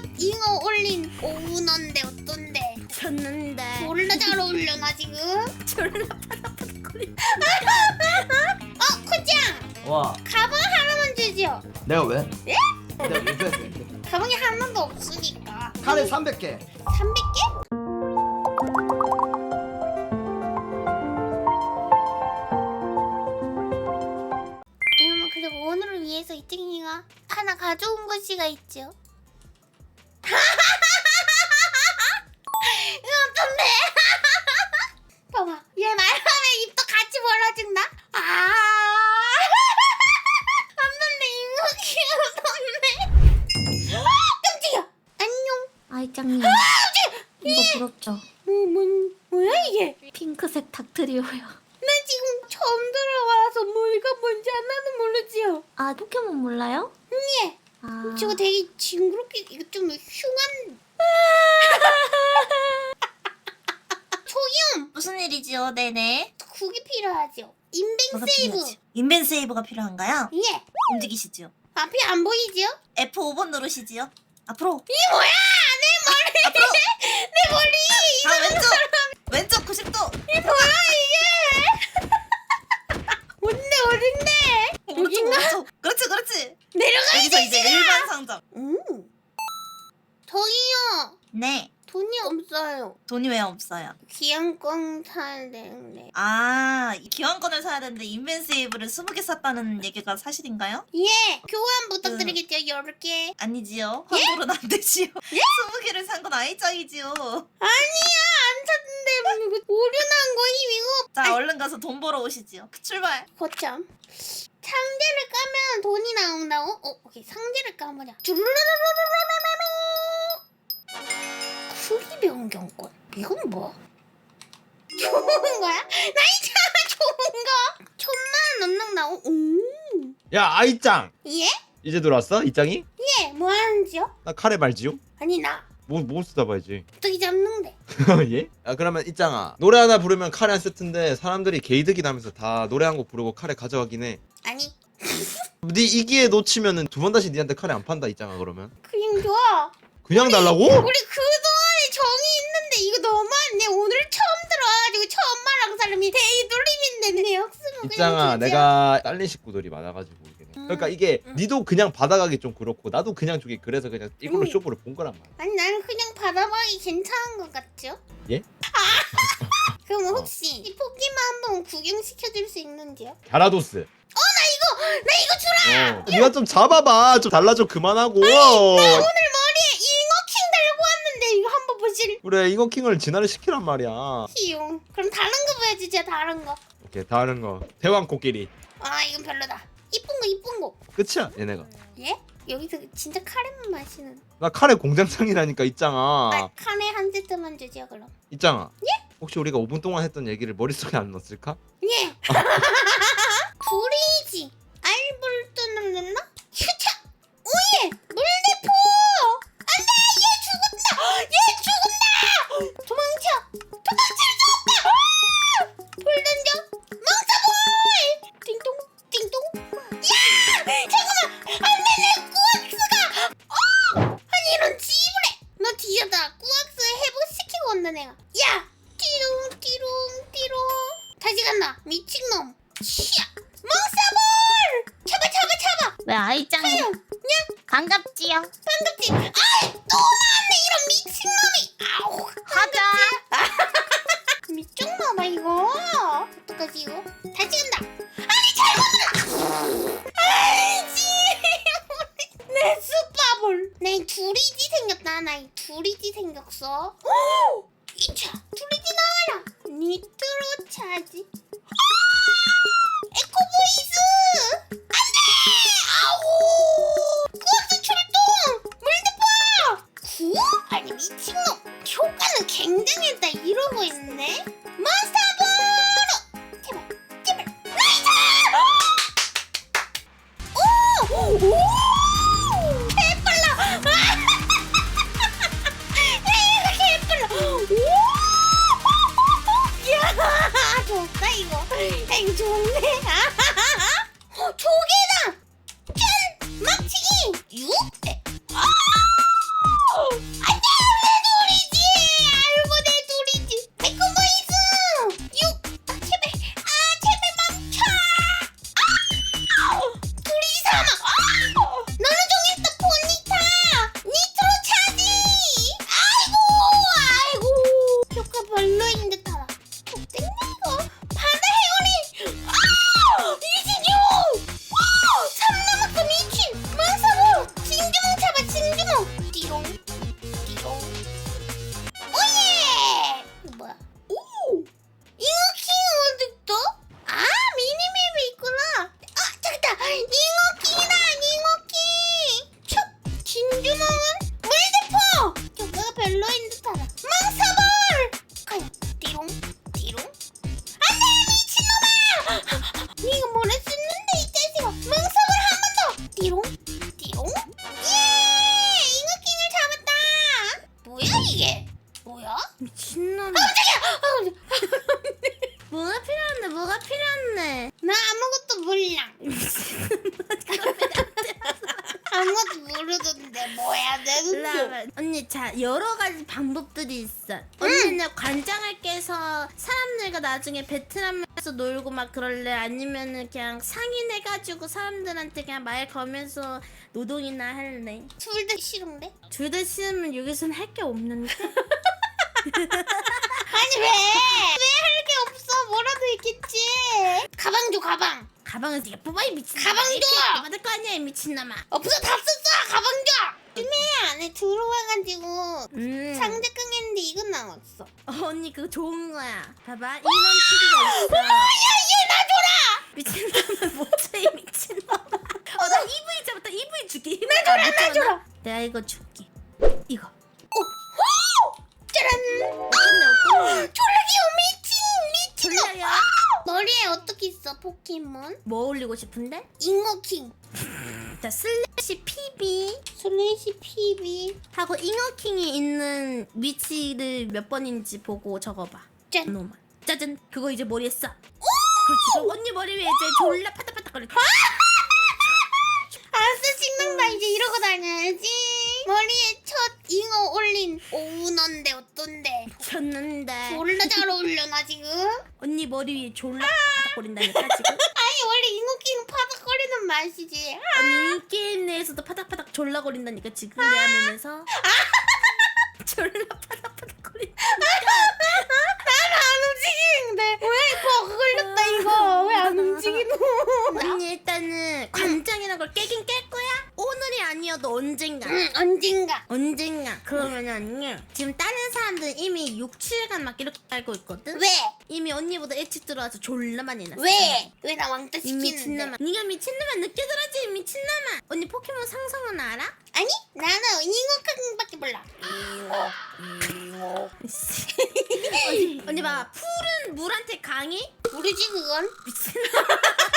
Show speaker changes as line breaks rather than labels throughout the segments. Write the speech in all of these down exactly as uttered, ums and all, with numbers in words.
잉어 올린 오운어인데 어떤데?
졌는데.
졸라 잘 어울려 나 지금.
졸라 파닥파닥거리.
어 코짱
와,
가방 하나만 주지요.
내가 왜?
예?
내가 왜 뺐어?
가방이 하나도 없으니까.
카레 삼백 개.
삼백 개? 여러분 그리고 오늘을 위해서 이특이가 하나 가져온 것이가 있죠. 이거 어떤데? 봐봐 얘 말하면 입도 같이 벌어진다. 아 없는데 이거 귀여웠네. 아 깜짝이야. 안녕.
아이짱님. 이거 부럽죠?
뭐, 뭔, 뭐야 이게?
핑크색 닥트리오요.
나 지금 처음 들어와서 뭐가 뭔지 하나도 모르지요.
아 포켓몬 몰라요?
예.
아
저거 되게 징그럽게 이거 좀 흉한. 초기염
무슨 일이지요? 네네.
국이 필요하죠. 인벤
뭐가
세이브.
필요하지? 인벤 세이브가 필요한가요?
예.
움직이시죠.
앞이 안 보이지요?
에프 오 번 누르시지요. 앞으로.
이게 뭐야? 내 머리.
앞으로.
내 머리.
아 왼쪽. 왼쪽 구십 도.
이게 뭐야 이게? 뭔데 어딘데?
오른쪽
여긴가?
오른쪽. 그렇지 그렇지.
내려가야
여기서 이제
되지.
일반 상점.
음. 저기요.
네.
돈이 없어요.
돈이 왜 없어요?
기한권 사야 되는데.
아, 이 기왕권을 사야 되는데 인벤 세이브를 스무 개 샀다는 얘기가 사실인가요?
예, 교환 부탁드리겠죠, 열 개.
아니지요. 환불은 안 되지요. 스무 개를 산 건 아이짱이지요.
아니야, 안 샀는데 뭐 이거 오류난 거임 이거.
자, 얼른 가서 돈 벌어 오시지요. 출발.
거참. 상자를 까면 돈이 나온다고? 어, 오케이, 상자를 까보자. 주르르르르르르르르. 크기 변경권. 이건 뭐? 좋은 거야? 나 있잖아, 좋은 거. 천만 원 넘는 나오. 오.
야 아이짱
예?
이제 들어왔어? 이짱이?
예, 뭐 하는지요?
나 카레 말지요?
아니 나
뭐, 뭐 쓰다 봐야지
어떻게 잡는데?
예? 아 그러면 이짱아 노래 하나 부르면 카레 한 세트인데 사람들이 게이득이 나면서 다 노래 한 곡 부르고 카레 가져가긴 해네
아니,
이기에 놓치면은 두 번 다시 니한테 카레 안 판다 이짱아 그러면
그냥 좋아.
그냥 달라고?
우리 그동안에 정이 있는데 이거 너무하네. 오늘 처음 들어와가지고 처음 말한 사람이 대이돌림인데 내 역습은 그냥
이짱아
주지.
내가 딸린 식구들이 많아가지고 이게
음.
그러니까 이게
음.
니도 그냥 받아가기 좀 그렇고 나도 그냥 주기 그래서 그냥 이걸로
음.
쇼부를 본 거란 말이야
아니 나는 그냥 받아봐기 괜찮은 것 같죠?
예?
그럼
어.
혹시 이 포기만 한번 구경시켜줄 수 있는지요?
갸라도스
나 이거 주라!
어 니가 좀 잡아봐 좀 달라져 그만하고
오늘 머리에 잉어킹 달고 왔는데 이거 한번 보실?
그래 잉어킹을 진화를 시키란 말이야
희용. 그럼 다른 거 보여주죠, 다른 거.
오케이 다른 거 대왕 코끼리
아 이건 별로다. 이쁜 거 이쁜 거.
끝이야 얘네가
예? 여기서 진짜 카레만 마시는.
나 카레 공장장이라니까 있잖아
아, 카레 한 세트만 주죠 그럼.
있잖아 혹시 우리가 오 분 동안 했던 얘기를 머릿속에 안 넣었을까?
예. 둘이지. 알볼트는 넣나? 휴차. 오예. 물대포. 안돼. 얘 죽었다. 얘 죽었다. 도망쳐. 도망칠 수 없다. 아! 불 던져. 멍사볼. 띵동 띵동. 야! 잠깐만. 안돼 내 꾸악스가. 어! 아니 이런 지불해. 너 뒤에다 꾸악스 회복시키고 온다 내가. 야! 띠롱 띠롱 띠롱. 다시 간다. 미친놈. 치야. 멍사볼! 잡아 잡아 잡아.
왜 아이짱이?
야
반갑지요.
반갑지. 아이 또 나왔네 이런 미친놈이. 아우.
하자.
미쳤나봐 이거. 어떡하지 이거? 다시 간다. 아니 잘못. 아이지. 내 숯바볼. 내 두리지 생겼다. 나 이 두리지 생겼어. 오! 이차 두리지 나와라. 니트로 차지. 에코보이스! 안돼! 아우! 꾸악스 출동! 물대포! 구? 아니 미친놈! 효과는 굉장했다 이러고 있네? 마스터보로! 제발 제발 나이스! 오! 오! 개빨라! 야 이거 개빨라! 오! 야 좋다 이거. 야 이거 좋네. 어, 좋아 모르던데 뭐 해야 되는데?
라면. 언니 자 여러 가지 방법들이 있어. 언니는 관장을 깨서 사람들과 나중에 베트남에서 놀고 막 그럴래? 아니면은 그냥 상인해가지고 사람들한테 그냥 말 걸면서 노동이나 할래?
둘 다 싫은데?
둘 다 싫으면 여기선 할 게 없는데?
아니 왜? 왜 할 게 없어? 뭐라도 있겠지. 가방 줘 가방.
가방은 네가 뽑아 이 미친놈아.
가방 줘!
이렇게 받을 거 아니야 이 미친놈아.
없어 다 썼어. 가방 줘. 쯤에 안에 들어와가지고
음.
상자 깡했는데 이건 남았어.
어, 언니 그거 좋은 거야. 봐봐 이런 TV가 있어.
야얘 나 줘라.
미친놈아 뭐지 이 미친놈아. 어나 이브이 잡았다. 이브이 줄게. 나
줘라, 나 줘라.
내가 이거 줄게. 이거.
짜란.
어떤데 어떤데?
졸라 귀여워 미친 미친.
졸라요?
머리에 어떻게 있어 포켓몬?
뭐 올리고 싶은데?
잉어킹.
자 슬래시 피비
슬래시 피비.
하고 잉어킹이 있는 위치를 몇 번인지 보고 적어봐.
짠.
노만. 짜잔. 그거 이제 머리에 써. 그렇지. 그럼 언니 머리 위에 이제 졸라 파닥파닥거릴 거야.
알았어 신난다. 이제 이러고 다녀야지. 머리에 첫 잉어 올린 오우 넌데 어떤데?
쳤는데.
졸라 잘 어울려 나 지금.
언니 머리 위에 졸라 파닥거린다니까 지금.
아니 원래 잉어킹 파닥거리는 맛이지.
언니 이 게임 내에서도 파닥파닥 졸라 거린다니까 지금 내 화면에서. 졸라 파닥파닥거린다.
나는 안 움직이는데 왜 버그 걸렸다 이거. 왜 안 움직이노?
언니 일단은 관장이라는 걸 깨긴 깰 거야? 오늘이 아니어도 언젠가.
응 언젠가.
언젠가. 그러면 언니 지금 다른 사람들은 이미 육, 칠간 막 이렇게 알고 있거든?
왜?
이미 언니보다 일찍 들어와서 졸라 많이 났어.
왜? 왜 나 왕따
이
시키는데?
미친놈아. 네가 미친놈아 느껴들었지 미친놈아. 언니 포켓몬 상성은 알아?
아니 나는 잉어킹밖에 몰라. 잉어 잉어.
언니, 언니 봐봐. 풀은 물한테 강해?
모르지 그건.
미친놈아.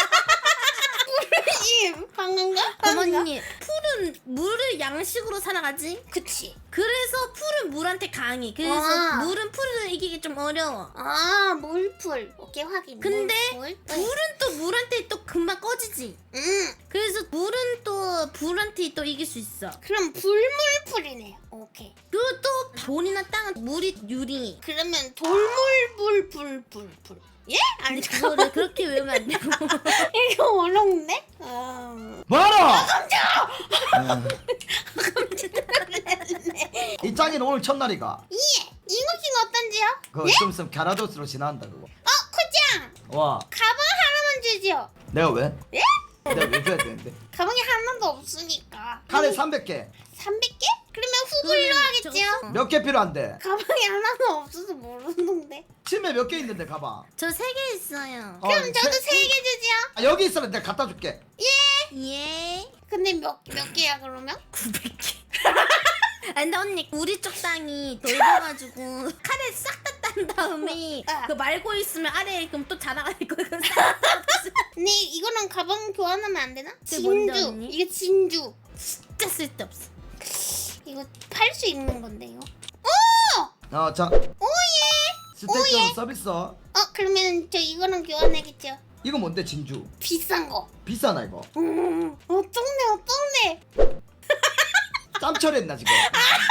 모르지. 방금가? 방금가?
어머니 풀은 물을 양식으로 살아가지?
그치.
그래서 풀은 물한테 강해. 그래서
아.
물은 풀을 이기기 좀 어려워.
아 물풀. 오케이 확인.
근데
물풀.
불은 또 물한테 또 금방 꺼지지.
응.
그래서 물은 또 불한테 또 이길 수 있어.
그럼 불물풀이네요. 오케이.
그리고 또 돈이나 땅은 물이 유리.
그러면 돌물불불불불. 예? 아니
근데 그거를 그렇게 외우면 안 되고.
이거 어려운데? 아.
뭐하노? 이 짱이는 오늘 첫날이가.
예. 잉어킹 어떤지요?
그거 좀 있으면 갸라도스로 지나간다 그거.
어 코짱.
와
가방 하나만 주지요.
내가 왜?
예?
내가 왜 줘야 되는데?
가방이 하나도 없으니까.
카레 삼백 개.
삼백 개? 그러면 후불로 하겠지요?
몇 개 필요한데?
가방이 하나도 없어서 모르는데.
집에 몇 개 있는데 가방.
저 세 개 있어요.
어,
그럼 저도
세-
세 개 주지요.
아, 여기 있으면 내가 갖다 줄게.
예.
근데 몇 몇 개야 그러면?
구백 개. 아 근데 언니 우리 쪽 땅이 넓어가지고 카레 싹 다 딴 다음에
아.
그 말고 있으면 아래에 그럼 또 자라갈 거야. 그럼 싹
근데 이거는 가방 교환하면 안 되나?
그게 뭔데,
진주.
언니?
이게 진주.
진짜 쓸데없어.
이거 팔 수 있는 건데 이거.
어, 자.
오예.
스테이크
오예.
서비스.
어 그러면 저 이거는 교환하겠죠?
이거 뭔데 진주?
비싼 거.
비싸나 이거?
음 어떡네 어떡네.
짬 처리했나 지금?